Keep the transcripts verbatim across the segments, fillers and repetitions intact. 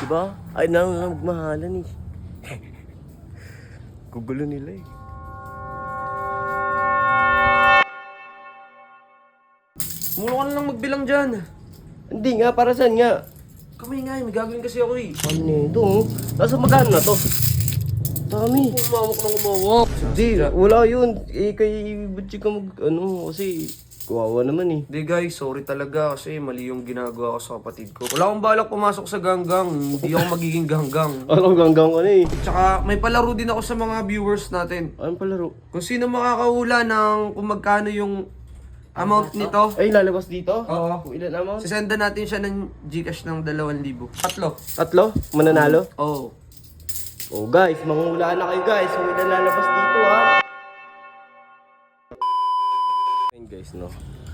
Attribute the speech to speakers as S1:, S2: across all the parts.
S1: Diba? Ay, na lang magmahalan eh. Gugulo nila eh.
S2: Mula ka na lang magbilang dyan.
S1: Hindi nga, para saan nga?
S2: Kamay nga, may gagawin kasi ako eh.
S1: Ano nito oh? Nasa magkano na to? Dami.
S2: Umawak na umawak.
S1: Hindi, wala yun. Eh, kay Butchie ka mag, ano, kasi kawawa naman eh.
S2: Hindi guys, sorry talaga kasi mali yung ginagawa ko sa kapatid ko. Wala akong balak pumasok sa ganggang. Hindi ako magiging ganggang.
S1: Alam, ganggang ka na eh.
S2: Tsaka may palaro din ako sa mga viewers natin.
S1: Anong palaro?
S2: Kung sino makakahula ng kung magkano yung amount nito.
S1: Ay, lalabas dito?
S2: Oo.
S1: Kung ilan amount?
S2: Sisenda natin siya ng Gcash ng dalawang libo. Tatlo.
S1: Tatlo? Mananalo?
S2: Oo.
S1: Oh guys, manguhulaan na kayo guys. Kung ilan lalabas dito ha. Ayun guys, no.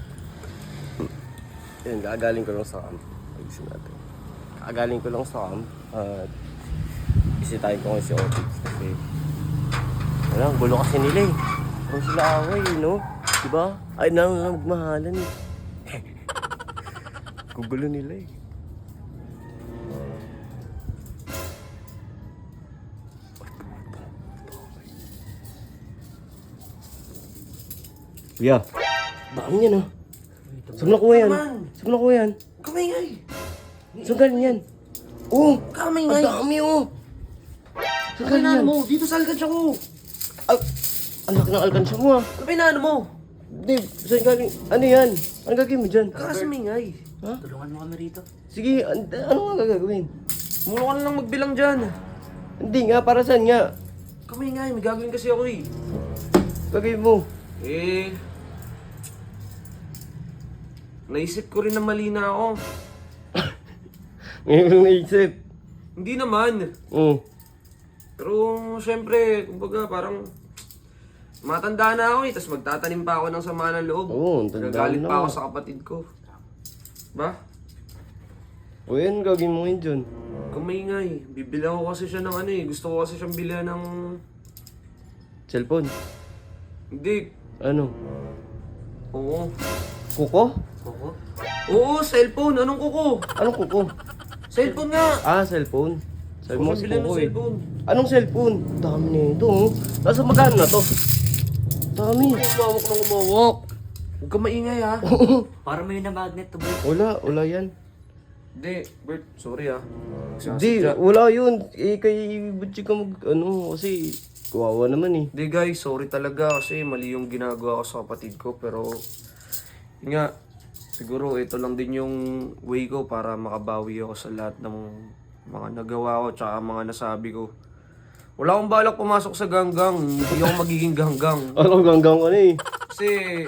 S1: Ayun, gagaling ko lang sa camp. Ayusin natin. Gagaling ko lang sa camp. At bisitahin ko ngayon si Otix kasi wala, gulo kasi nila eh. Parang sila away, no? Diba? Ay, na lang magmahalan eh. Gugulo nila eh. Kuya, dami yan ah. Saan nakuha yan? Saan nakuha yan?
S2: Kamay nga eh.
S1: Saan galing yan? Oh!
S2: Kamay
S1: Ang
S2: nga eh.
S1: dami oh! Saan
S2: Kamay
S1: galing
S2: na
S1: yan?
S2: mo. Dito sa alkansya ko.
S1: Al ang laki ng alkansya mo ah.
S2: Kamay na ano mo.
S1: Dave, saan galing? Ano yan? Ano gagawin mo dyan?
S2: Kakasamingay.
S1: Ha?
S2: Tulungan mo kami rito.
S1: Sige, an ano nga gagawin?
S2: Mula ka na lang magbilang dyan.
S1: Hindi nga, para saan nga?
S2: Kamay nga eh. May gagawin kasi ako eh.
S1: Gagawin mo.
S2: Eh... Naisip ko rin na mali na ako.
S1: Ngayon ko lang naisip.
S2: Hindi naman.
S1: Oo.
S2: Pero syempre, kumbaga parang matanda na ako eh. Tapos magtatanim pa ako ng sama ng loob.
S1: Oo, ang tanda
S2: Nagagalit
S1: na
S2: pa ako
S1: ako.
S2: sa kapatid ko. Ba?
S1: O yan, gagawin mo ngayon dyan.
S2: Kamay nga eh. Bibilang ko kasi siya ng ano eh. Gusto ko kasi siyang bilhan ng...
S1: Cellphone.
S2: Hindi.
S1: Ano?
S2: Oo.
S1: Kuko?
S2: Kuko? Oo, cellphone. Anong kuko?
S1: Anong kuko?
S2: Cellphone nga.
S1: Ah, cellphone. Sabi mo
S2: Gusto
S1: kasi
S2: ko bilhan ng
S1: kuko eh.
S2: cellphone.
S1: Anong cellphone? Dami nito oh. Nasa magkano na to? Dami.
S2: Umawak na umawak. Huwag ka maingay ha.
S3: Para may na magnet to bro.
S1: Wala, wala yan.
S2: Hindi, Bert. Sorry ha.
S1: Hindi, wala yun. Eh, kay Butchie ka mag, ano, kasi kawawa naman eh.
S2: Hindi guys, sorry talaga kasi mali yung ginagawa ko sa kapatid ko. Pero, yun nga, siguro ito lang din yung way ko para makabawi ako sa lahat ng mga nagawa ko tsaka mga nasabi ko. Wala akong balak pumasok sa ganggang. Hindi ako magiging ganggang.
S1: Alam, ganggang ka na eh.
S2: Kasi,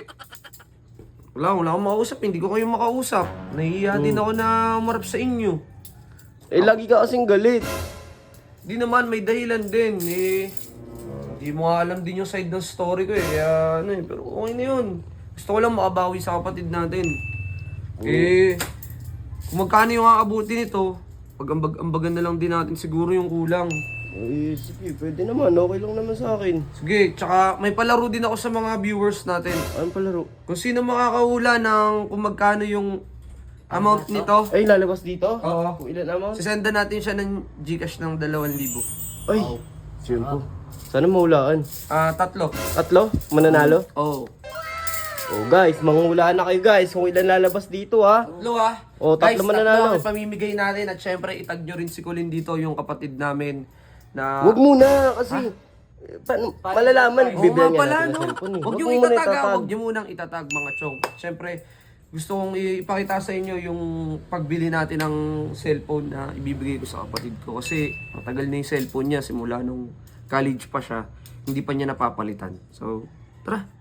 S2: wala, wala akong makausap. Hindi ko kayo makausap. Nahihiya din ako na umarap sa inyo.
S1: Eh, lagi ka kasing galit.
S2: Di naman, may dahilan din. Eh, hindi mo nga alam din yung side ng story ko eh. Kaya, ano eh, pero okay na yun. Gusto ko lang makabawi sa kapatid natin. Eh, kung magkano yung aabuti nito, pag-ambagan na lang din natin siguro yung kulang.
S1: Eh, sige, pwede naman. Okay lang naman sa akin.
S2: Sige, tsaka may palaro din ako sa mga viewers natin.
S1: Anong palaro?
S2: Kung sino makakahula ng kung magkano yung amount nito.
S1: Ay, lalabas dito?
S2: Oo.
S1: Kung ilan amount?
S2: Sisenda natin siya ng Gcash ng dalawang libo.
S1: Ay, siyempre. Sana mahulaan.
S2: Ah, tatlo.
S1: Tatlo? Mananalo?
S2: Oo.
S1: Oh guys, manguhulaan na kayo guys. Kung ilan lalabas dito ha.
S2: Tatlo ah.
S1: Oh, tatlo
S2: Guys,
S1: mananalo.
S2: tatlo ang pamimigay natin at syempre itag nyo rin si Colin dito, yung kapatid namin na...
S1: Huwag muna kasi paano malalaman
S2: Oo
S1: bibigyan
S2: nga
S1: niya
S2: pala,
S1: natin ng
S2: no?
S1: cellphone eh.
S2: Huwag nyo
S1: mo muna
S2: itatag, ah. Huwag nyo munang itatag mga chong. Siyempre, gusto kong ipakita sa inyo yung pagbili natin ng cellphone na ibibigay ko sa kapatid ko. Kasi matagal na yung cellphone niya, simula nung college pa siya, hindi pa niya napapalitan. So, tara!